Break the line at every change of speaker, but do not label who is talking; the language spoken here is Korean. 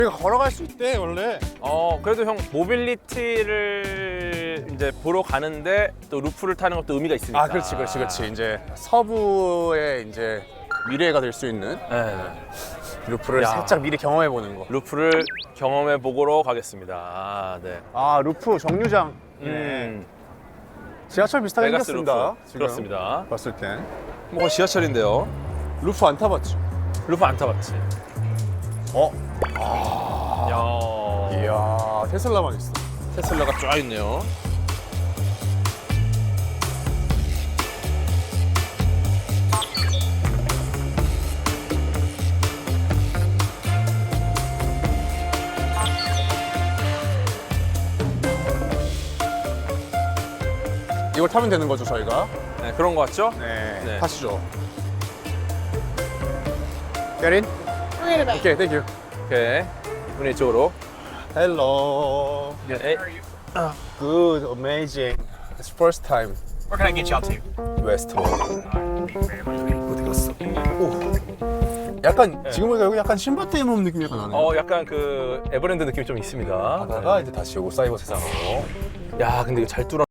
우리가 걸어갈 수 있대 원래.
그래도 형 모빌리티를 이제 보러 가는데 또 루프를 타는 것도 의미가 있으니까.
아, 그렇지. 이제 서부의 이제 미래가 될 수 있는
네.
루프를
야.
살짝 미리 경험해 보는 거.
루프를 경험해 보러 가겠습니다. 네.
아, 루프 정류장. 지하철 비슷하게
베가스
생겼습니다.
루프.
지금
그렇습니다.
봤을 땐.
뭐 지하철인데요.
루프 안 타봤지?
루프 안 타봤지? 야.
이야, 테슬라만 있어.
테슬라가 쫙 있네요.
이걸 타면 되는 거죠, 저희가?
네, 그런 거 같죠?
네.
네.
타시죠. Get in? 오케이, thank you.
오케이. 문이 이쪽으로.
Hello.
네.
Good, amazing. It's first time.
Where can I get y'all to?
Westworld. 어디 갔어? 오. 약간 지금 보니까 여기 약간 신밧드에 놓은 느낌이 약간 나네.
약간 그 에버랜드 느낌이 좀 있습니다.
가다가 이제 다시 오고 사이버 세상으로.
야, 근데 이거 잘 뚫어.